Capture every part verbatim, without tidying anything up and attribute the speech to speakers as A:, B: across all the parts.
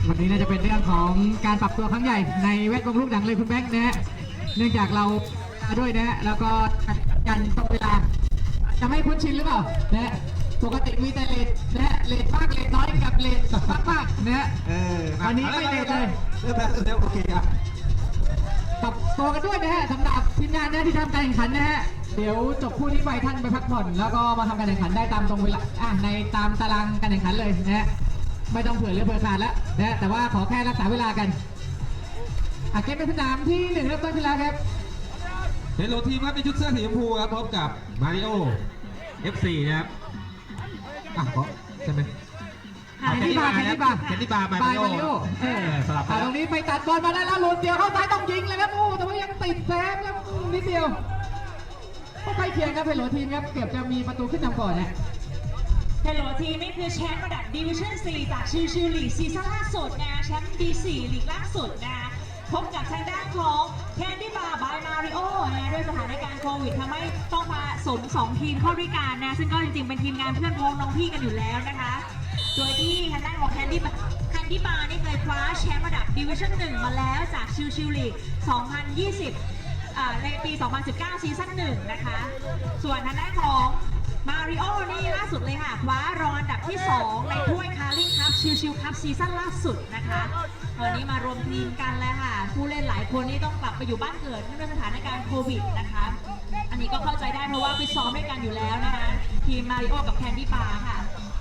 A: วันนี้น่าจะเป็นเรื่องของการปรับตัวครั้งใหญ่ในแวดวงลูกหนังเลยคุณแบงค์นะฮะเนื่องจากเราเวลาด้วยนะฮะแล้วก็กันตรงเวลาจะไม่คุ้นชินหรือเปล่านะฮะปกติมีแต่เลทนะฮะเลทมากเลทน้อยกับเลทมากมากนะฮะวันนี้ไม่เลทเลย
B: เริ่มแล้วเริ่มโอเคครับ
A: ปรับตัวกันด้วยนะฮะสำหรับทีมงานนะที่ทำการแข่งขันนะฮะเดี๋ยวจบคู่นี้ไปท่านไปพักผ่อนแล้วก็มาทำการแข่งขันได้ตามตรงเวลาอ่ะในตามตารางการแข่งขันเลยนะฮะไม่ต้องเผื่อเรือเผื่อขาดแล้วนะแต่ว่าขอแค่รักษาเวลากันอ่ะเกมเป็นสนามที่หนึ่งเริ่มต้นขึ้นแล้วครับ
B: เฮลโลทีมครับในชุดเสื้อสีชมพูครับพบกับมาริโอ เอฟ ซี นะครับอ่ะใช่ไหม
A: แคนดี้บาร์แคนดี้บาร์
B: แคนดี้บาร์มาริโอ
A: เออสลับตรงนี้ไปตัดบอลมาได้แล้วลุนเดียวเข้าซ้ายต้องยิงเลยครับโอ้แต่ว่ายังติดแซมครับนิดเดียวก็ใกล้เคียงครับเฮลโลทีมครับเกือบจะมีประตูขึ้นนำก่อนนะ
C: เฮลโลทีมนี่คือแชมป์ระดับดิวิชั่นสี่จากชิวชิวลีกซีซั่นล่าสุดนะแชมป์ ดี สี่ ลีกล่าสุดนะพบกับทางด้านของแคนดี้บาร์บายมาริโอนะด้วยสถานการณ์โควิดทำให้ต้องมาสมสองทีมเข้าด้วยกันนะซึ่งก็จริงๆเป็นทีมงานเพื่อนพ้องน้องพี่กันอยู่แล้วนะคะโดยที่ทางด้านของแคนดี้แคนดี้บาร์นี่เคยคว้าแชมป์ระดับดิวิชั่นหนึ่งมาแล้วจากชิวชิวลีกสองพันยี่สิบในปี สองพันสิบเก้า ซีซั่นหนึ่งนะคะส่วนทางด้านของมาริโอนี่ล่าสุดเลยค่ะคว้ารองอันดับที่สองในถ้วยคาร์ลิงคัพชิวชิวคัพซีซั่นล่าสุดนะคะวันนี้มารวมทีมกันแล้วค่ะผู้เล่นหลายคนนี่ต้องกลับไปอยู่บ้านเกิดเนื่องด้วยสถานการณ์โควิดนะคะอันนี้ก็เข้าใจได้เพราะว่าไปซ้อมด้วยกันอยู่แล้วนะคะทีมมาริโอกับแคนดี้บาร์ค่ะ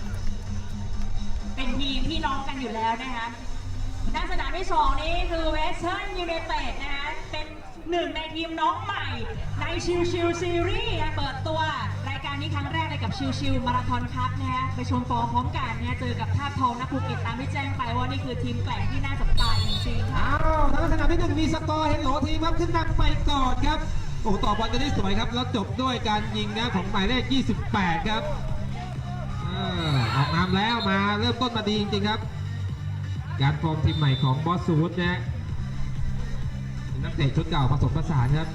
C: เป็นทีมพี่น้องกันอยู่แล้วนะคะด้านสนามที่สองนี้คือเวสเทิร์นยูไนเต็ดนะคะเป็นหนึ่งในทีมน้องใหม่ในชิวชิวซีรีส์เปิดตัวรายการนี้ครั้งแรกเลยกับชิวชิวมาราธอนคัพนะฮะไปชมฟอร์มพร้อมกันนะเจอกับท่าทองนักภูเก็ตตามที่แจ้งไปว่านี่คือทีมแกร่งที่น่าจับตาจริงๆค่ะ
B: อ้าวแล้วสนามที่หนึ่งมีสกอร์เฮลโลทีมครับขึ้นนำไปก่อนครับโอ้ต่อบอลกันได้สวยครับแล้วจบด้วยการยิงนะของหมายเลขยี่สิบแปดครับออกนำแล้วมาเริ่มต้นมาดีจริงๆครับการฟอร์มทีมใหม่ของบอสซูดนะนักเตะชุดเก่าผสมผสานครับ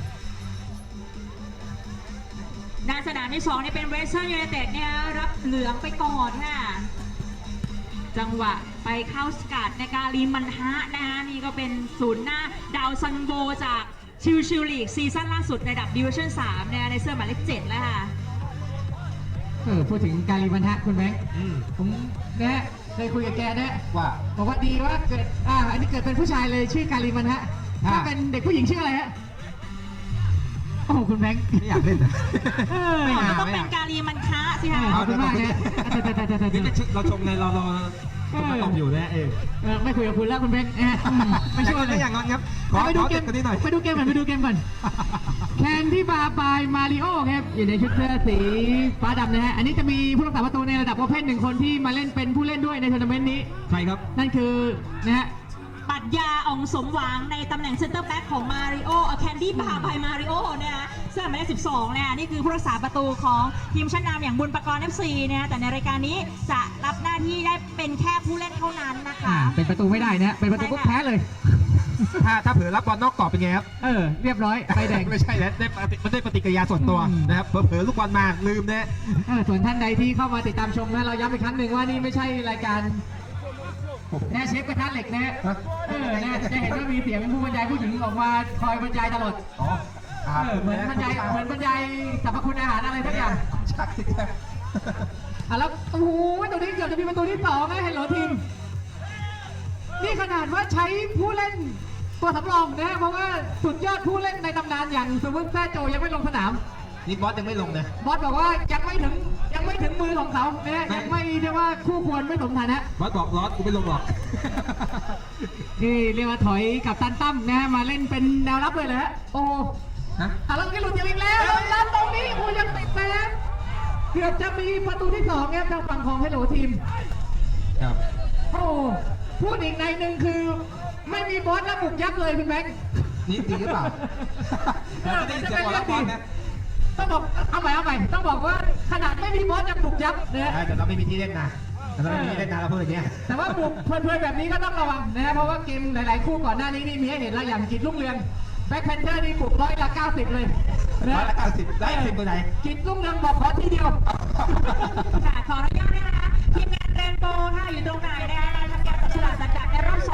C: ด้านสนามที่สองนี่เป็นเวสเทิร์นยูไนเต็ดเนี่ยรับเหลืองไปก่อนค่ะจังหวะไปเข้าสกัดในการลีมันฮะนะคะนี่ก็เป็นศูนย์หน้าดาวซันโบจากชิวชิวลีกซีซั่นล่าสุดในระดับดิวิชั่นสามเนี่ยในเสื้อหมายเลขเจ็ดแล้วค่ะ
A: เออพูดถึงการีบันทะคุณแบงค์ผมนะเคยคุยกับแกนะ
B: ว่า
A: บอกว่าดีว่าเกิดอ่าอันนี้เกิดเป็นผู้ชายเลยชื่อการีบันทะถ้าเป็นเด็กผู้หญิงชื่ออะไรฮะโอ้คุณแบงค์
B: ไม่อยากเล่นนะ
C: ไม่อยากต้องเป็นการีมันคะสิคะ
A: ขอบคุณมากนะ
B: เราชมในรอรอมาตอบอยู่นะเออ
A: ไม่คุยกับคุณแล้วคุณแบงค์ไม่ช่วยเลย
B: อย่างนั้นครับ
A: ไปดูเกมกันนิดหน่อยไปดูเกมก่อนไปดูเกมก่อนแคนดี้บาร์บายมาริโอครับอยู่ในชุดเสื้อสีฟ้าดำนะฮะอันนี้จะมีผู้รักษาประตูในระดับประเภทหนึ่งคนที่มาเล่นเป็นผู้เล่นด้วยในทัวร์นาเมนต์นี้
B: ใช่ครับ
A: นั่นคือนะฮะ
C: ปรัชญาอองสมหวังในตำแหน่งเซนเตอร์แบ็กของมาริโอแคนดี้บาร์บายมาริโอเนี่ยเสื้อหมายเลขสิบสองเนี่ยนี่คือผู้รักษาประตูของทีมชั้นนำอย่างบุญประกรณ์ เอฟ ซี เนี่ยแต่ในรายการนี้จะรับหน้าที่ได้เป็นแค่ผู้เล่นเท่านั้นนะคะ
A: เป็นประตูไม่ได้นะเป็นประตูก็แพ้เลย
B: ถ้าถ้าเผื่อรับบอลนอกกรอบเป็นไงครับ
A: เออเรียบร้อยใบแดง
B: ไม่ใช่แล้วได้มันได้ปฏิกิริยาส่วนตัวนะครับเผลอลูกบอลมาลืมนะ
A: ส่วนท่านใดที่เข้ามาติดตามชมนะเราย้ำอีกครั้งหนึ่งว่านี่ไม่ใช่รายการแน่เชฟกระทะเหล็กนะเออนะจะเห็นว่ามีเสียงผู้บรรยายผู้หญิงออกมาคอยบรรยายตลอด
B: อ๋อ
A: เหมือนบรรยายเหมือนบรรยายสรรพคุณอาหารอะไรสักอย่าง
B: ใช่
A: อ่ะแล้วโอ้โหตัวนี้เกือบจะมีประตูที่สองนะเฮลโลทีมนี่ขนาดว่าใช้ผู้เล่นตัวสำรองนะเพราะว่าสุดยอดผู้เล่นในตำนานอย่างซูเปอร์แซโจยังไม่ลงสนาม
B: นี่บอสยังไม่ลงนะ
A: บอสบอกว่ายังไม่ถึงยังไม่ถึงมือของเขาเนี่ยยังไม่เรียกว่าคู่ควรไม่สมฐานะ
B: บอสบอกร้อนกูไม่ลงหรอก
A: นี่เรียกว่าถอยกับตันตั้มนะมาเล่นเป็นแนวรับเลยเหรอโอ้ฮะอ่ะแล้วก็หลุดอีกแล้วแล้วตรงนี้โอ้ยังติดแซมเกือบจะมีประตูที่สองเนี่ยทางฝั่งของเฮลโลทีม
B: ครับ
A: โอ้พูดอีกในหนึ่งคือไม่มีบอสแล้วบุกยับเลยคุณแบงค์
B: นี่ดีหรือเปล่า
A: จะเป็นเรื่องดีต้องบอกเอาใหม่เอาใหม่ต้องบอกว่าขนาดไม่มีบอสยังบุกยับ
B: นะแต่เราไม่มีที่เล่นนะแต่เราไม่มีที่เล่นนะเราพูดอย่างเงี้ย
A: แต่ว่าบุกเพลินๆแบบนี้ก็ต้องระวังนะเพราะว่าเกมหลายๆคู่ก่อนหน้านี้นี่มีให้เห็นแล้วอย่างกิจลุ่งเรืองแบ็คแพนเทอร์นี่บุกร้อยละเก้าสิบเลย
B: ร้อยละเก้าสิบได้สิบตัวไหน
A: กิจลุ่งเรืองบอกขอทีเดียว
C: ค่ะขออนุญาตนะคะทีมงานแรนโบค่ะอยู่ตรงไหนนะคะทำการจับฉลากสัญญาในรอบ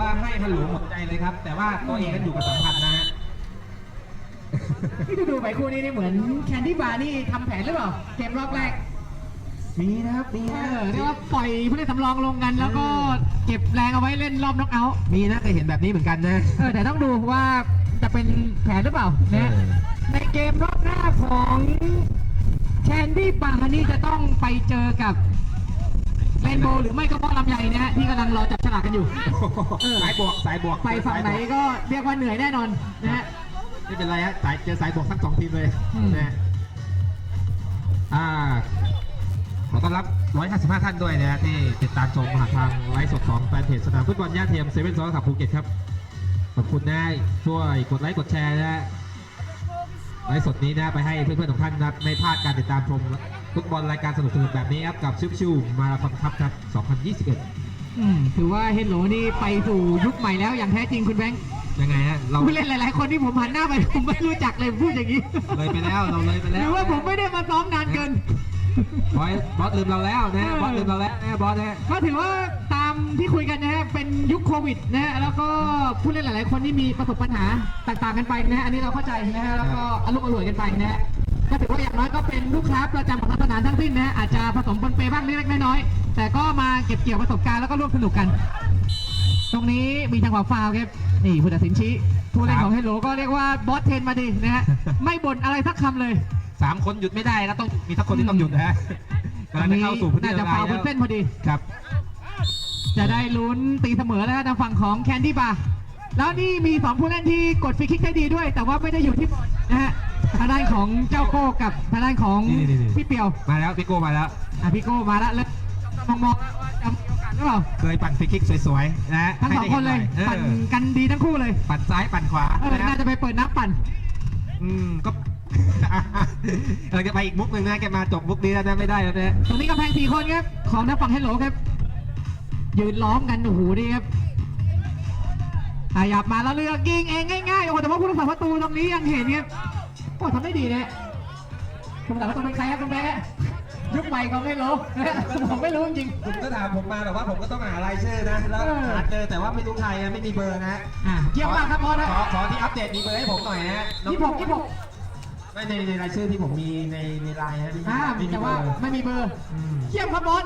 B: ว่าให้ฮัลโหลหมดใจเลยครับ แต่ว่าตัวเองนั้นอยู่กับสัมพันธ์นะฮะ
A: ที่ดูดูไปคู่นี้นี่เหมือนแคนดี้บาร์นี่ทำแผนหรือเปล่าเกมรอบแรก
B: มีนะครับมี
A: เอ
B: นะ
A: อเรียกว่าปล่อยผู้เล่นสำรองลงกัน แล้วก็เก็บแรงเอาไว้เล่นรอบน็อกเอาท์
B: มีนะเคยเห็นแบบนี้เหมือนกันนะ
A: เออแต่ต้องดูว่าจะเป็นแผนหรือเปล่านะ
B: เออ
A: ในเกมรอบหน้าของแคนดี้บาร์นี่จะต้องไปเจอกับเรนโบว์หรือไม่ก็บอลลำไยนะฮะที่กำลังรอจับฉลากกันอยู่ เออ
B: สายบวกสายบวก
A: ไปฝั่งไหนก็เรียกว่าเหนื่อยแน่นอนนะฮะ
B: ไม่เป็นไรฮะสายเจอสายบวกทั้งสองทีมเลย
A: อืม
B: นะอ่าขอต้อนรับหนึ่งร้อยห้าสิบห้าท่านด้วยนะฮะที่ติดตามชมผ่านทางไลฟ์สดของแฟนเพจสนามฟุตบอลย่าเทียมเซเว่นซอสขับภูเก็ตครับขอบคุณนะช่วยกดไลค์กดแชร์นะฮะไลฟ์สดนี้นะไปให้เพื่อนๆของท่านนะไม่พลาดการติดตามชมฟุตบอลรายการสนุกๆแบบนี้ครับกับชิวชิวมาราธอนคัพครับสองพันยี่สิบเอ็ด
A: อืมถือว่าเฮดโหลนี่ไปสู่ยุคใหม่แล้วอย่างแท้จริงคุณแบงค์
B: ยังไงฮะเรา
A: ผู้เล่นหลาย ๆ คนที่ผมหันหน้าไปผมไม่รู้จักเลยพูดอย่างนี้
B: เลยไปแล้วเราเลยไป
A: ห
B: แล้ว
A: รือว่าผมไม่ได้มาซ้อมนานเกิน
B: บอสบอสลืมเราแล้วนะบอสลืมเราแล้วนะบอสนะ
A: ก็ถือว่าตามที่คุยกันนะฮะเป็นยุคโควิดนะฮะแล้วก็ผู้เล่นหลาย ๆ คนที่มีประสบปัญหาต่าง ๆ กันไปนะฮะอันนี้เราเข้าใจนะฮะแล้วก็อารมณ์อร่วยกันไปนะฮะก็ถือว่าอย่างน้อยก็เป็นลูกค้าประจำของสนามทั้งสิ้นนะฮะอาจจะผสมปนเปบ้างเล็ก ๆ น้อย ๆ แต่ก็มาเก็บเกี่ยวประสบการณ์แล้วก็ร่วมสนุกกัน ตรงนี้มีจังหวะฟาวล์ครับนี่ผู้ตัดสินชี้ผู้เล่นของเฮโลก็เรียกว่าบอสเทนมาดีนะฮะไม่บ่นอะไรสักคำเลย
B: สามคนหยุดไม่ได้แล้วต้องมีทักคนที่ต้องหยุดนะฮะกำลังจะเข้าสู่พื้นที่
A: น่าจะ
B: ละลา
A: ฟาวย ล์บ
B: แล้
A: น
B: ว
A: เส้นพอดี
B: ครับ
A: จะได้ลุ้นตีเสมอแล้วนะทางฝั่งของแคนดี้บาร์แล้วนี่มีสองผู้เล่นที่กดฟรีคิกได้ดีด้วย แต่ว่าไม่ได้อยู่ที่บอลนะฮะทางด้านของเจ้าโก้กับทางด้านของ
B: นี่ๆๆ
A: พี่เปียว
B: มาแล้วพี่โก้มาแล้ว
A: อ่ะพี่โก้มาแล้วแล้วมองมองๆว่าจะมีโอกาสหรือเปล่า
B: เคยปั่นฟรีคิกสวยๆนะฮะ
A: ทั้งสองคนเลย
B: ให้
A: ปั่น
B: ได้ห็หอ
A: กันดีทั้งคู่เลย
B: ปั่นซ้ายปั่นขวา
A: เออ
B: นะ
A: น่าจะไปเปิดนับปั่น
B: อืมก็ เราจะไปอีกมุกหนึ่งนะแกมาจบมุกนี้แล้วนะไม่ได้แล้วนะ
A: ตรงนี้กำแพงสี่คนครับของทางฝั่งเฮลโหลครับยืนล้อมกันโอ้โหดีครับขยับมาแล้วเลือกยิงเองง่ายๆโอ้โหแต่ว่าผู้รักษาประตูตรงนี้ยังเห็นครับโอ้ทำได้ดีนะผู้รักษาประตูเป็นใครครับคุณแม่ยุคใหม่ของเฮลโหลผมไม่รู้จริง
B: คุณก็ถามผมมาแบบว่าผมก็ต้องหารายชื่อนะแล้ว
A: เออ
B: หาเจอแต่ว่าไม่รู้ใครนะไม่มีเบอร์นะ
A: ๆอ่ะเยี่ยมมากครับพอนะ
B: ขอขอที่อัปเดตมีเบอร์ให้ผมหน่อยนะน้อง
A: ยี่สิบหกยี่สิบหก
B: ไม่ในในรายชื่อที่ผมมีในในไลน์นะที่
A: อ่า
B: ไม่มี
A: แต่
B: เบ
A: ว่า
B: อร์
A: ไม่มีเบอร์
B: อืม
A: เยี่ยมครับบอส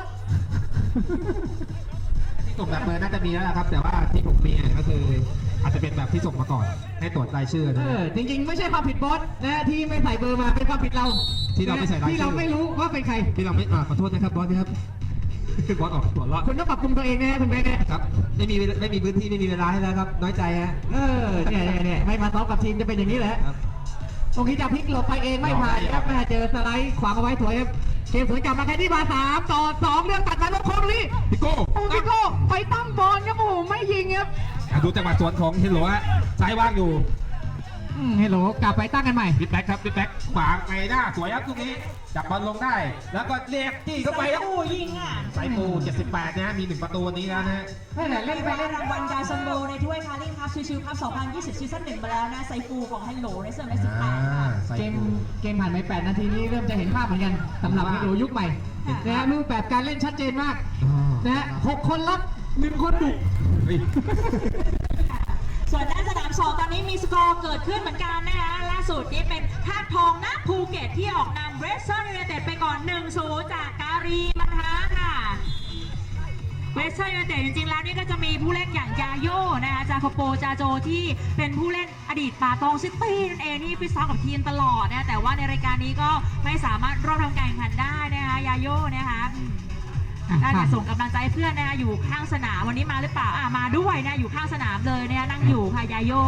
B: ที่ส่งแบบเบอร์น่าจะมีแล้วนะครับ แต่ว่าที่ผมมีก็คืออาจจะเป็นแบบที่ส่งมาก่อนให้ตรวจรายชื่อ
A: เอ
B: นะ
A: อจริงๆ ไม่ใช่ความผิดบอสนะที่ไม่ใส่เบอร์มาเป็นความผิดเรา
B: ที่เราไม่ใส่รายชื่อ
A: ที่เราไม่รู้ว่าเป็นใคร
B: ที่เราไม่อ่าขอโทษนะครับบอสนะครับ บอสออกหัวเราะ
A: คุณต้องปรับปรุงตัวเองนะฮะคุณแบงค์นะครับ
B: ไม่มีไม่มีพื้นที่ไม่มีเวลาให้แล้วครับ น้อยใจฮะ
A: เออเนี่ยเนี่ยเนี่ยไม่มาซ้อมกับทีมจะเป็นอย่างนี้แหละ
B: ครับ
A: ตรงนี้จะพลิกหลบไปเองไม่ผ่านครับแม่เจอสไลด์ขวางเอาไว้สวยครับเกมสวยกลับมาแค่ที่มาสามต่อสองเรื่องตัดมาลบโค้งนี่
B: พี่โก้
A: โอ้พี่โก้ไปตั้งบอลครับโอ้โหไม่ยิงครับ
B: อ่ะดูจังหวะสวนของเฮโลฮะซ้ายว่างอยู่
A: อืมเฮลโหลกลับไปตั้งกันใหม่
B: บิ๊กแบ็คครับบิ๊กแบ็คขวางไปหน้าสวยครับตรงนี้จับบอลลงได้ แล้วก็เรียกจี้เข้าไปครับ
C: โอ้ยิงอ่ะ
B: สายปูเจ็ดสิบแปดนะมีหนึ่งประตูวันนี้แล้วนะฮะ
A: นั่นแหละ
C: เล่
A: เล่
C: น
A: น
C: ไป
A: ไป
C: ได้
A: เล่น
C: รางวัลการซันโบในถ้วยคาริงครับชิวๆครับสองพันยี่สิบซีซั่นหนึ่งมาแล้วนะไซฟูของฮัลโหลในเซอร์ในสิบแปดค่ะ
B: ใส่
A: เกม
B: ปู
A: เกมผ่านไปแปดนาทีนี้เริ่มจะเห็นภาพเหมือนกันสำหรับเฮลโหลยุคใหม่นะฮะรูปแบบการเล่นชัดเจนมาก
B: อ๋อ
A: นะฮะหกคนรับหนึ่งคนบุก
B: เฮ้ย
C: ส่วนด้านสนามสองตอนนี้มีสกอร์เกิดขึ้นเหมือนกันนะคะล่าสุดนี้เป็นธาตุทองนะภูเก็ตที่ออกนำเรสเซอร์ยูไนเต็ดไปก่อน หนึ่งศูนย์ จากการีมันฮาค่ะเวสเซอร์ยูไนเต็ดจริงๆแล้วนี่ก็จะมีผู้เล่นอย่างยาโยนะคะจาโคโปจาโจที่เป็นผู้เล่นอดีตป่าตองซิตี้นั่นเองที่ฟิตซ้อมกับทีมตลอดนะแต่ว่าในรายการนี้ก็ไม่สามารถร่วมทำการแข่งขันได้นะคะยาโยนะคะได้แต่ส่งกำลังใจเพื่อนนะคะอยู่ข้างสนามวันนี้มาหรือเปล่าอ่ะมาด้วยนะอยู่ข้างสนามเลยนะคะนั่งอยู่ค่ะยาโย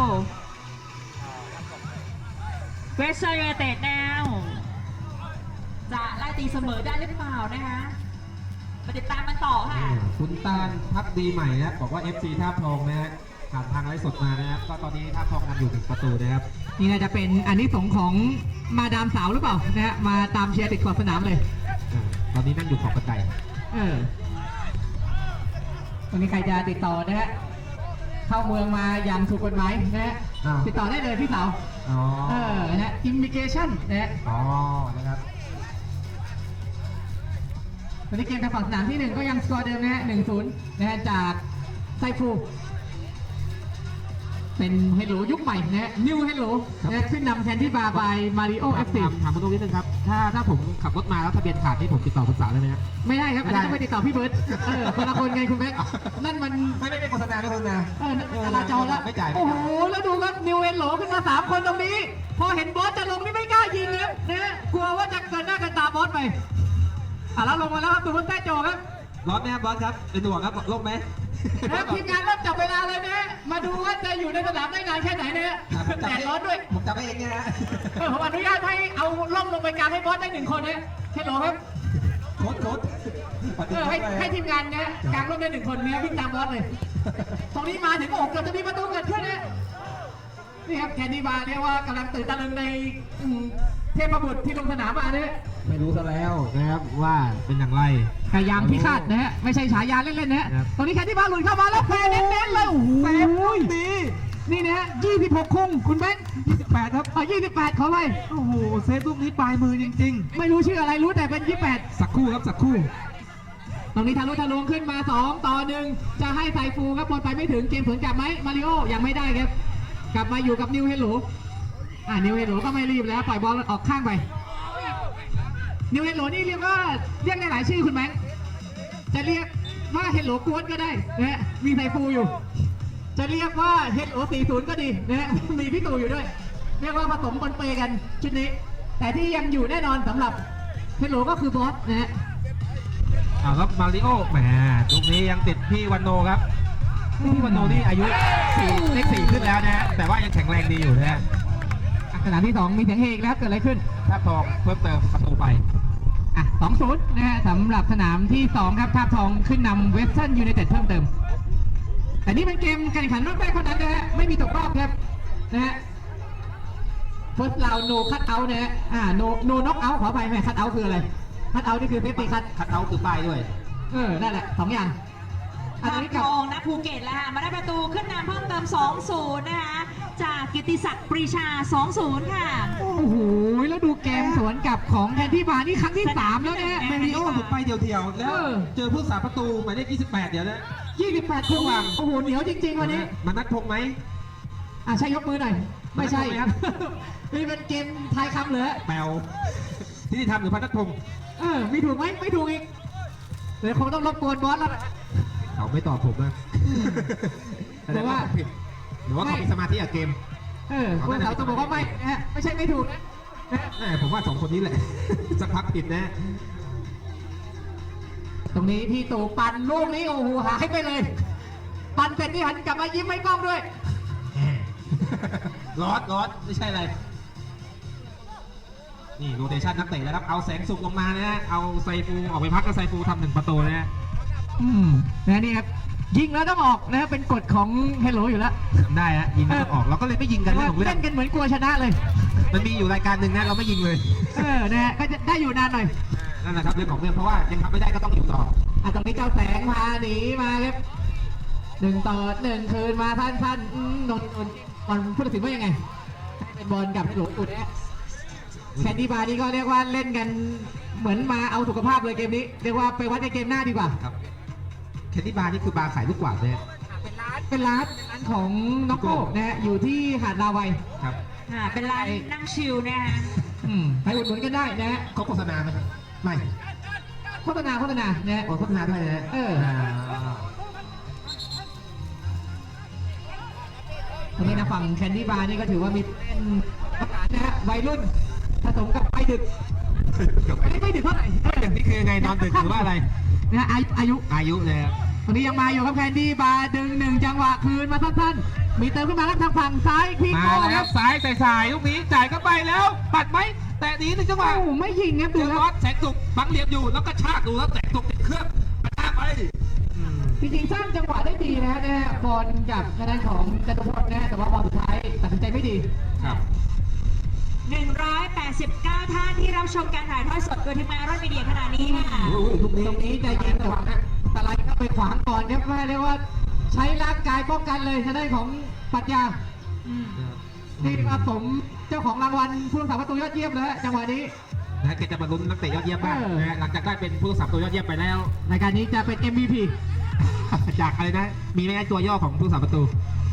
C: เวสเซอร์ยูไนเต็ดแนวจะไล่ตีเสมอได้หรือเปล่านะคะมาติดตามมันต่อค่ะ
B: คุณตาลพักดีใหม่นะครับบอกว่า เอฟ ซี ท่าพทองนะฮะผ่านทางไลฟ์สดมานะครับก็ตอนนี้ท่าพทองนำอยู่หนึ่งประตูนะครับ
A: นี่น่าจะเป็นอันนี้สงส์ของมาดามสาวหรือเปล่านะฮะมาตามเชียร์ติดขอบสนามเลย
B: อ่าตอนนี้นั่งอยู่ขอบบันได
A: เออตรงนี้ใครจะติดต่อนะฮะเข้าเมืองมาอย่างถูกกฎหมายนะฮะ
B: อ้าว
A: ติดต่อได้เลยพี่สาว
B: อ๋อ
A: เออนะฮะอิมิเกชันนะฮะ
B: อ๋อนะครับ
A: ตอนนี้เกมทางฝั่งสนามที่หนึ่งก็ยังสกอร์เดิมนะฮะหนึ่งศูนย์นะฮะจากไซฟูเป็นเฮลโลยุคใหม่นะฮะนิวเฮลโลนะขึ้นนำแคนดี้บาร์บายมาริโอเอฟซี
B: ถามถามคุณตรงนิดนึงครับ ถ้าถ้าผมขับรถมาแล้วทะเบียนขาดนี่ผมติดต่อคุณสาวได้ไหมครับ
A: ไม่ได้ครับอันนี้ต้อง
B: ไม่
A: ไป
B: ได้
A: ติดต่อพี่เบิร์ตเออคนละคนไงคุณแม็กนั่นมัน
B: ไม่ไม่ไม่โฆษณาไม่โฆษณา
A: เออจราจรแล้ว
B: ไม่จ่าย
A: โอ้โหแล้วดูครับนิวเฮลโลขึ้นมาสามคนตรงนี้ พอเห็นบอสจะลงนี่ไม่กล้ายิงครับนะกลัวว่าจะเกินหน้าเกินตาบอสไปอ่ะแล้วลงมาแล้วครับตูนแต้โจครับ
B: ร้อนไหมครับบอสครับเป็นห่วงครับโรคไหม
A: แล้วทีมงานเริ่มจับเวลาเลยนะ มาดูว่าจะอยู่ในสนามได้นานแค่ไหนเนี่ยแดดร้อนด้วย
B: ผมจำไม่เองเนี่ยนะ
A: เออผมอนุญาตให้เอาล่มลงไปกลางให้บอสได้หนึ่งคนนะเฮลโหลครับ
B: โค้ดโค้ด
A: เออให้ให้ทีมงานเนี่ยกลางร่มได้หนึ่งคนเนี่ยวิ่งตามบอสเลย ตรงนี้มาถึงอกเกือบจะมีประตูเกิดขึ้นนะนี่ครับแคนดี้บาร์เรียกว่ากำลังตื่นตะลึงในอืมเทพบุตรที่ลงสนามมาเนี่ย
B: ไม่รู้ซะแล้วนะครับว่าเป็นอย่างไร
A: กายางพิฆาตนะฮะไม่ใช่ฉายาเล่นๆนะฮะ
B: ครับ
A: ตรงนี้แคนดี้บาร์หลุดเข้ามาแล้วแพ้เน้นๆเลยโอ้โห
B: เซฟลูกนี้
A: นี่นะฮะยี่สิบหกคุ้งคุณแบงค์
B: ยี่สิบแปดครับ
A: เออยี่สิบแปดขอไป
B: โอ้โหเซฟลูกนี้ปลายมือจริง
A: ไม่รู้ชื่ออะไรรู้แต่เป็นยี่สิบแปด
B: ๆ สักครู่ครับสักครู่
A: ตรงนี้ทะลุทะลวงขึ้นมาสองต่อหนึ่งจะให้ไซฟูครับบอลไปไม่ถึงเกมสวนกลับไหมมาริโอยังไม่ได้ครับกลับมาอยู่กับนิวเฮลโลอ่านิวเฮลโลก็ไม่รีบแล้วปล่อยบอลออกข้างไปนิวเฮลโลนี่เรียกว่าเรียกได้หลายชื่อคุณแบงค์จะเรียกว่าเฮลโลกวนก็ได้นะฮะมีไซฟูอยู่ จะเรียกว่าเฮลโลสี่ศูนย์ก็ดีนะฮะมีพี่ตู่อยู่ด้วย เรียกว่าผสมปนเปกันชุดนี้ แต่ที่ยังอยู่แน่นอนสำหรับเฮลโลก็คือบอสนะฮะ
B: เอาครับมาริโอแหมตรงนี้ยังติดพี่วันโนครับพี่วันโนนี่อายุสี่เลขสี่ขึ้นแล้วนะฮะแต่ว่ายังแข็งแรงดีอยู่นะฮะ
A: ขณะที่สองมีเสียงเฮอีกแล้วเกิดอะไรขึ้น
B: ถ้าทองเพิ่มเติมประตูไป
A: อ่ะสองศูนย์นะฮะสำหรับสนามที่สองครับท่าตุทองขึ้นนำเวสเทิร์นยูไนเต็ดเพิ่มเติม แต่นี่เป็นเกมการแข่งขันรอบแรกเท่านั้นนะฮะไม่มีตกรอบครับนะฮะ first round no cut out นะฮะอ่า no no knock out ขอไปแม่ cut out คืออะไร cut out นี่คือ safety cut
B: คัดเอาท์คือป้ายด้วย
A: เออนั่นแหละสองอย่างอัน
C: ทาง
A: นี้
C: ท
A: กับ
C: องนะภูเก็ตแล้วค่ะมาได้ประตูขึ้นนำเพิ่มเติม สองศูนย์ นะคะจากกิตติศักดิ์ปรีชา สองศูนย์ ค่ะ
A: โอ้โหแล้วดูเกมสวนกลับของแทนที่บาร์นี่ครั้งที่สามแล้วนะฮะ
B: มาริโอหลุดไปเดียวๆ แล้ว
A: เออ
B: เจอผู้สาประตูหมายเลขยี่สิบแปดเดี๋ยวนะ
A: ยี่สิบแปดคู่อ่ะโอ้โหเหนียวจริงๆวันนี้
B: มานัดพงษ์ไหม
A: อ่ะใช่ยกมือหน่อย ไม่ใช่
B: ครับ
A: นี่เป็นเกมทายคำเหรอ
B: แปลวที่ที่ทำหรือพันนัดพงษ์
A: เออมีถูกไหมไม่ถูกอีกเดี๋ยวคงต้องรบกวนบอสแล้วล่ะ
B: เขาไม่ตอบผมนะ
A: หรือว่า
B: ผิดหรือว่าเขามีสมาธิกับเกม
A: เออคุณสาวต้องบอกว่าไม่นะฮะไม่ใช่ไม่ถูกนะนะฮะ
B: แม่ผมว่าสองคนนี้แหละ สักพักผิดนะ
A: ตรงนี้พี่ตู่ปั่นลูกนี้โอ้โหหายไปเลย ปั่นเสร็จนี่หันกลับมายิ้มให้กล้องด้วย
B: ร้อนร้อนไม่ใช่อะไร นี่โรเตชันนักเตะแล้วครับ เอาแสงสุกลงมานะฮะเอาไซฟูออกไปพักกับไซฟูทำหนึ่งประตูนะฮะ
A: อืมนะนี่ครับยิงแล้วต้องออกนะฮะเป็นกฎของเฮลโลอยู่แล้ว
B: ทำได้ฮะยิงไม่ต้องออกเราก็เลยไม่ยิงกันเรื่องของเรื่อ
A: เล่
B: ง
A: นกันเหมือนกลัวชนะเลย
B: มันมีอยู่รายการหนึ่งนะเราไม่ยิงเลย
A: เออนะฮะก็จะได้อยู่นานหน่อย
B: นั่นแหละครับเรื่องของเรื่องเพราะว่ายังทำไม่ได้ก็ต้องอยู่ต่อ
A: อ่ะตรงนี้เจ้าแสงพาหนีมาครับหนึ่งต่อหนึ่งคืนมาท่านๆอืมนนท์นนท์บอลผู้ตัดสินว่ายังไงให้เป็นบอลกับหลวงอุดนะแคนดี้บาร์นี่ก็เรียกว่าเล่นกันเหมือนมาเอาสุขภาพเลยเกมนี้เรียกว่าไปวัดในเกมหน้าดีกว่า
B: ครับแคนดี้บาร์นี่คือบาร์ขายลูกกวาดเลย
A: เป็นร้านเป็นร้านเป็นร้านของน็อกโก้นะฮะอยู่ที่หาดลาวัย
B: ครับ
C: อ่า เป็นร้านนั่งชิลนะคะ
A: อืมไปอุดหนุนกันได้นะฮะ
B: เขาโฆษณาไหมครับไม่
A: โฆษณาโฆษณานะฮะ
B: โอ้โฆษณาด้วยนะฮะ
A: เออ ตรงนี้นะฝั่งแคนดี้บาร์นี่ก็ถือว่ามีเล่นประกาศนะฮะวัยรุ่นผสมกับไปดึกไม่ได้ไม่ดึกเท่าไหร่เออ
B: นี่คือไงนอนดึกหรือว่าอะไร
A: นะฮะอายุอายุ
B: อายุเลยครับ
A: ตรงนี้ยังมาอยู่ครับแคนดี้บาร์ดึงหนึ่งจังหวะคืนมาสั้นๆมีเติมขึ้นมาครับทางฝั่งซ้ายพี่
B: มา
A: โก้ค
B: แล้
A: รั
B: ว
A: บ
B: ซ้ายใส่สายลูกนี้จ่ายเข้าไปแล้ว ปัดไหมแต่หนีหนึ่งจังหวะ
A: โอ้โหไม่ยิงครับ
B: เจ
A: ดู
B: อ
A: ค
B: บอ
A: รับ
B: สแสงสุกบังเหลี่ยมอยู่แล้วก็ชากดูแล้วแสงสุกติดเครื่องกระชากไปอืม
A: จริงๆสร้างจังหวะได้ดีนะฮะนะฮะบอลกับทางด้านของจตุพลนะฮะแต่ว่าบอลสุดท้ายตัดสินใจไม่ดี
B: ครับ
C: หนึ่งร้อยแปดสิบเก้า ท่านที่รับชมการถ่ายทอดสดโดยทีมงานรถมีเดียขณะนี้ค่ะ
B: โอ้โหลูกนี้
A: ตรงนี้ใจเย็นแต่ว่าสไลด์เข้าไปขวางก่อนครับแม่เรียกว่าใช้ร่างกายป้องกันเลยทางด้านของปรัชญา
C: อืม
A: นี่มาสมเจ้าของรางวัลผู้รักษาประตูยอดเยี่ยมเลยฮะจังหวะนี้
B: นะแกจะมาลุ้นนักเตะยอดเยี่ยมบ้าง
A: เออ
B: นะฮะหลังจากได้เป็นผู้รักษาประตูยอดเยี่ยมไปแล้ว
A: รายการนี้จะเป็น เอ็ม วี พี
B: จากอะไรนะ มีไหมตัวย่อของผู้รักษาประตู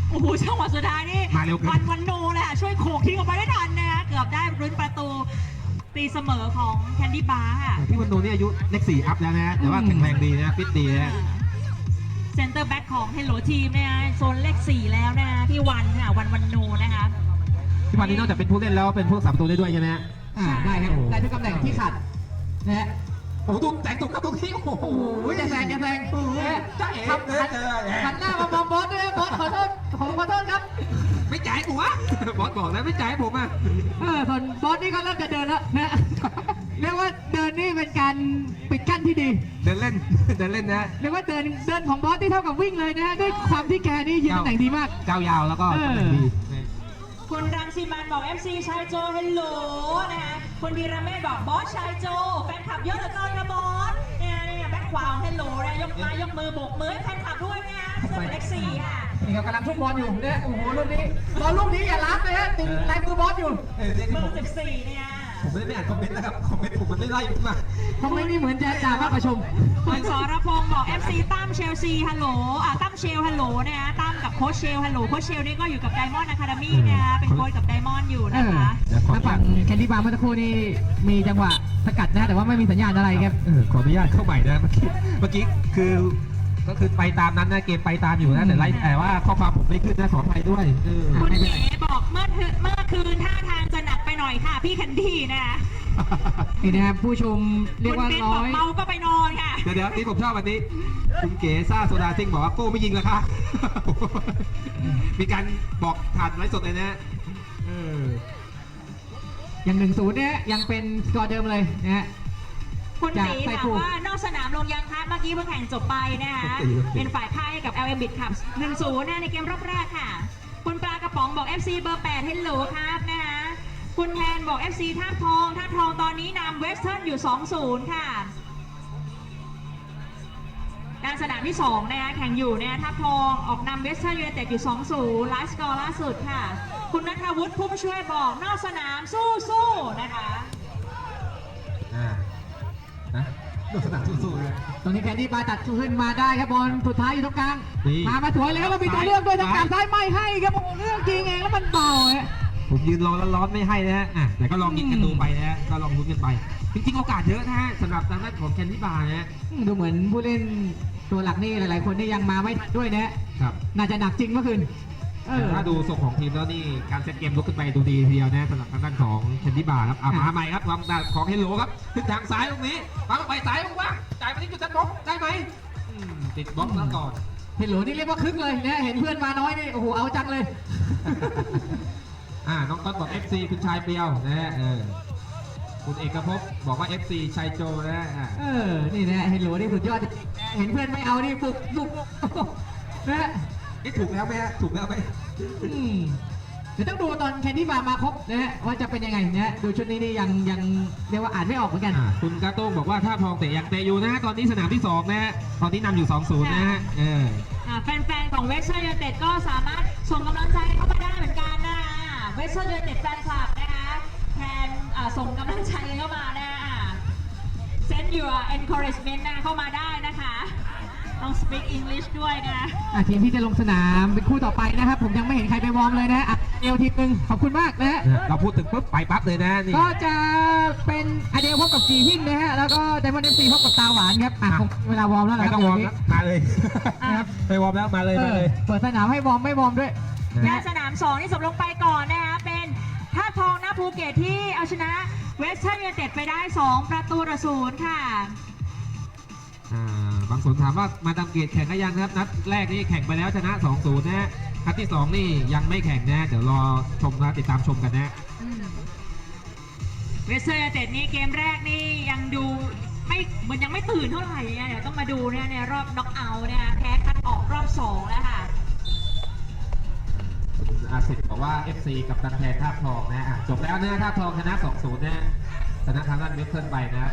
C: โอ้โหจังหวะสุดท้ายนี่
B: มาเร็วเกิน
C: วันวันโนเลยค่ะช่วยโขกทิ้งออกไปได้ทันนะคะเกือบได้ลุ้นประตูตีเสมอของแคนดี้บาร์ค่ะ
B: พี่วันโนนี่อายุเลขสี่อัพแล้วนะแต่ว่าแข็งแรงดีนะฟิตดีนะ
C: เซนเตอร์แบ็กของเฮลโลทีมนะคะโซนเลขสี่แล้วนะคะพี่วันค่ะวันวันโนนะคะ
B: พี่วันนี้นอกจากเป็นผู้เล่นแล้วเป็นผู้รักษาประตูได้ด้วยใช่ไหมฮะ
A: อ่าได้ครับได้ทุกตำแหน่งที่ขัดนะฮะ
B: โอ้โหดูแต่งตรงกับตรงที่โอ้โห
A: โอ้โหจะแซงจะแซงนะฮะ
B: จ้าเอ๋
A: ครับ
B: เลยเจอ
A: หันหน้ามามองบอสด้วยนะบอสขอโทษผมขอโทษครับ
B: ไม่จ่ายกูวะบอสบอกแล้วไม่จ่ายผมอ่ะ
A: เออส่วนบอสนี่ก็เริ่มจะเดินแล้วนะ เรียกว่าเดินนี่เป็นการปิดกั้นที่ดี
B: เดินเล่น เดินเล่นนะ
A: เรียกว่าเดินเดินของบอสที่เท่ากับวิ่งเลยนะฮะด้วยความที่แกนี่ยืนตำแหน่งดีมาก
B: ก้าวยาวแล้วก็
A: เออ
B: ตำแหน่งดี
C: คุณรังสีมันบอก เอฟ ซี ชายโจเฮลโหลนะคะคุณวีระเมธบอกบอสชายโจแฟนคลับเยอะเหลือเกินนะบอสเนี่ยเนี่ยแบ็คขวาของเฮลโหลนะยกมายกมือโบกมือให้แฟนคลับด้วยนะคะเสื้อเป็นเลขสี่ค่ะ
A: นี่ครับกำลังทุ่มบอลอยู่เนี่ยโอ้โหลูกนี้บอลลูกนี้อย่าล้ำเลยฮะติดลายมือบอสอยู่
B: เออเรียก
C: เบ
B: นี่
C: อ
B: ผม
C: ร์สิบสี่เนี่ย
B: ผมไม่ได้ไม่อ่านคอมเมนต์นะครับ คอมเมนต์ผมมันไม่ไล่ขึ้นมา
A: ทำไมนี่เหมือนจะจ่ามากกว่าชม
C: คุณสรพงศ์บอก เอฟ ซี ตั้มเชลซีฮัลโหลอ่ะตั้มเชลฮัลโหลนะคะตั้มกับโค้ชเชลฮัลโหลโค้ชเชลนี่ก็อยู่กับไดมอนด์อะคาเดมี่นะคะเป็นโค้ชกับไดมอนด์อยู่
A: เอ
C: นะ
A: อ
C: คะ
A: ถ้าฝั่งแคนดี้บาร์เมื่อสักครู่นี่มีจังหวะสกัดนะแต่ว่าไม่มีสัญญาณอะไรครับ
B: เออขออนุญาตเข้าใหม่นะเมื่อกี้ เมื่อกี้คือก็คือไปตามนั้นนะเกมไปตามอยู่นะแต่ไล่แต่ว่าข้อความผมไม่ขึ้นนะขออภัยด้วยเออ
C: คุณเอ๋บอกเมื่อคืนเมื่อคืนท่าทางจะหนักไปหน่อยค่ะ พี่แคนดี้นะคะ
A: นี่นะครับผู้ชมเรีย
C: คุ
A: ก
C: ณ
A: ว่า
C: เบน
A: ร้
C: บ
A: อ
C: อก
A: ย
C: เมาก็ไปนอนค่ะ
B: เดี๋ยวเดี๋ยวนี่ผมชอบวันนี้ คุณเก๋ซ่าโซดาซิงบอกว่าโก้ไม่ยิงแล้วค่ะ มีการบอกผ่านไลฟ์สดเลยนะเออ
A: อย่างหนึ่งศูนย์เนี่ยยังเป็นสกอร์เดิมเลยนะฮะ
C: คุณ
A: จาก
C: ตี
A: ไซ
C: ถาม
A: ฟู
C: ว่านอกสนามลงยังคะเมื่อกี้เพิ่งแข่งจบไปนะคะเป็นฝ่ายพ่ายให้กับ แอล เอ็ม Bit ครับหนึ่งศูนย์นะในเกมรอบแรกค่ะ คุณปลากระป๋องบอก เอฟ ซี เบอร์แปดเฮลโหลครับนะคะคุณแทนบอก เอฟ ซี ท่าตุทองท่าตุทองตอนนี้นำเวสเทิร์นอยู่ สองศูนย์ ค่ะ การสนามที่สองนะคะแข่งอยู่เนี่ยท่าตุทองออกนำเวสเทิร์นยูไนเต็ดอยู่ สองศูนย์ ไลฟ์สกอร์ล่าสุดค่ะ คุณณัฐวุฒิผู้ช่วยบอกนอกสนามสู้ๆนะคะ
B: อ่านะดูสนามสู้ๆเลย
A: ตรงนี้แคนดี้บาร์ตัดขึ้นมาได้ครับบอลสุดท้ายอยู่ตรงกลาง
B: นี่
A: มามาสวยเลยครับเรามีตัวเลือกด้วยทางการซ้ายไม่ให้ครับโอ้โหเลือกจริงเองแล้วมันเบาฮะ
B: ผมยืนรอแล้วร้อนไม่ให้นะฮะอ่ะแต่ก็ลองยิงกันดูไปนะฮะก็ลองลุ้นกันไป จริงๆโอกาสเยอะนะฮะสำหรับทางด้านของแคนดี้บาร์นะฮะ
A: อืมดูเหมือนผู้เล่นตัวหลักนี่หลาย ๆ คนนี่ยังมาไม่ทันด้วยนะฮะ
B: ครับ
A: น่าจะหนักจริงเมื่อคืนเออ
B: ถ้าดูทรงของทีมแล้วนี่การเซตเกมลุกขึ้นไปดูดีทีเดียวนะสำหรับทางด้านของแคนดี้บาร์ครับอ่ะ
A: อ่ะ
B: มาใหม่ครับวางดาของเฮลโลครับขึ้นทางซ้ายตรงนี้วางไปซ้ายว่างๆจ่ายไปที่จุดตัดบล็อกได้ไหมอืมติดบล็อกแล้วก่อน
A: เห็นโหลนี่เรียกว่าคึกเลยนะเห็นเพื่อนมาน้อยนี่โอ้โหเอาจังเลย
B: อ่าน้องต้นบอก เอฟ ซี คุณชายเปรียวนะฮะเออคุณเอกภพบอกว่า เอฟ ซี ชายโจนะฮะอ่ะ
A: เออ นี่นะเห็นโหลนี่สุดยอดจริงๆนะเห็นเพื่อนไม่เอานี่บุกบุกนะ
B: นี่ถูกแล้วไหมฮะถูกแล้วไหม
A: อืมเดี๋ยวต้องดูตอนแคนดี้บาร์มาครบนะฮะว่าจะเป็นยังไงนะฮะดูชุดนี้นี่ยังยังเรียกว่าอ่านไม่ออกเหมือนกัน
B: อ่าคุณกาโต้งบอกว่าถ้าทองเตะยังเตะอยู่นะฮะตอนนี้สนามที่สองนะฮะตอนนี้นำอยู่ สองศูนย์ นะฮะเออ
C: อ่าแฟนๆ ของเวสเทิร์นยูไนเต็ดก็สามารถส่งกำลังใจเข้ามาได้เหมือนกันนะเวสเทิร์นยูไนเต็ดแฟนคลับนะคะแทนอ่าส่งกำลังใจเข้ามานะอ่า send your encouragement นะเข้ามาได้นะคะ ต้อง speak English ด้วยนะ
A: อ่ะทีมที่จะลงสนามเป็นคู่ต่อไปนะครับ ผมยังไม่เห็นใครไปวอร์มเลยนะฮะอ่ะเดียวทีมหนึ่งขอบคุณมากนะฮะ
B: เราพูดถึงปุ๊บไปปั๊บเลยนะนี่
A: ก็จะเป็นอเดลพบกับจีหินนะฮะแล้วก็ไดมอนด์เอฟซีพบกับตาหวานครับอ่ะคงเวลาวอร์มแล้ว
B: ไม่
A: นะค
B: ต้
A: รั
B: อบ งวอร์ม
A: เดี๋ยว
B: แล้วมาเลย
A: นะครับ
B: ไปวอร์มแล้วมาเลย
A: เอ
B: มา
A: อ
B: เลย
A: เปิดสนามให้วอร์มไม่วอร์มด้วย
C: และสนามสองที่จบลงไปก่อนนะคะเป็นท่าตุทองนาภูเก็ตที่เอาชนะเวสเทิร์นยูไนเต็ดไปได้ สอง ประตูต่อศูนย์ค่ะ
B: อ่าบางคนถามว่ามาดามเกตแข่งก็ยังนะครับนัดแรกนี่แข่งไปแล้วชนะ สองศูนย์ นะฮะนัดที่สองนี่ยังไม่แข่งนะเดี๋ยวรอชมนะติดตามชมกันนะ
C: เวสเทิร์นยูไนเต็ดนี่เกมแรกนี่ยังดูไม่เหมือนยังไม่ตื่นเท่าไหร่นะเดี๋ยวต้องมาดูนะในรอบน็อกเอาท์นะคะแพ้คัดออกรอบสองแล้วค่ะ
B: คุณอาสิทธิ์บอกว่า เอฟ ซี กับตันแทนท่าตุทองนะอ่ะจบแล้วนะท่าตุทองชนะ สองศูนย์ นะชนะทางด้านเวสเทิร์นไปนะ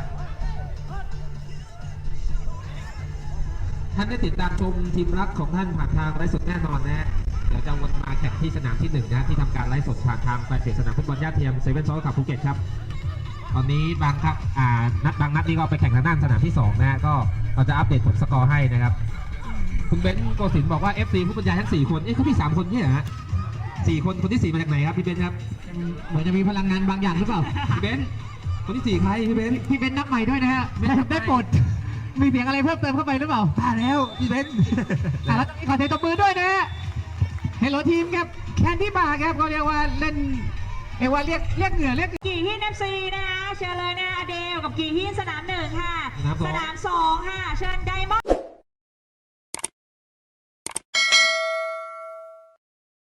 B: ท่านได้ติดตามชมทีมรักของท่านผ่านทางไลฟ์สดแน่นอนนะเดี๋ยวจะวนมาแข่งที่สนามที่หนึ่งนะที่ทำการไลฟ์สดผ่านทางแฟนเพจสนามฟุตบอลย่าเทียมเซเว่นซอลขับภูเก็ตครับตอนนี้บางครับอ่านัดบางนัดนี่ก็ไปแข่งทางด้านสนามที่สองนะก็เราจะอัปเดตผลสกอร์ให้นะครับคุณเบนซ์โกศินทร์บอกว่า เอฟ ซี ผู้บรรยายทั้งสี่คนเอ๊ะเขามีสามคนเนี่ยเหรอฮะสี่คนคนที่สี่มาจากไหนครับพี่เบนซ์ครับ
A: เหมือนจะมีพลังงานบางอย่างหรือเปล่า
B: พี่เบนซ์คนที่สี่ใครพี่เบนซ์
A: พี่เป็นนับใหม่ด้วยนะฮะได้ได้โปรดมีเสียงอะไรเพิ่มเติมเข้าไปหรือเปล่า
B: ตายแล้วพี่เบนซ์
A: อ่ะแล้วตอนนี้ขอเสียงตบมือด้วยนะฮะเฮลโลทีมครับแคนดี้บาร์ครับเขาเรียกว่าเล่นเรียกว่าเรียกเรียกเหงื่อเรียก
C: กี่ฮินเอฟซีนะคะเชิญเลยนะอเดลกับกี่ฮินสนามหนึ่งค่ะ
B: สนามสอง
C: สนามสองค่ะเชิญไดมอนด์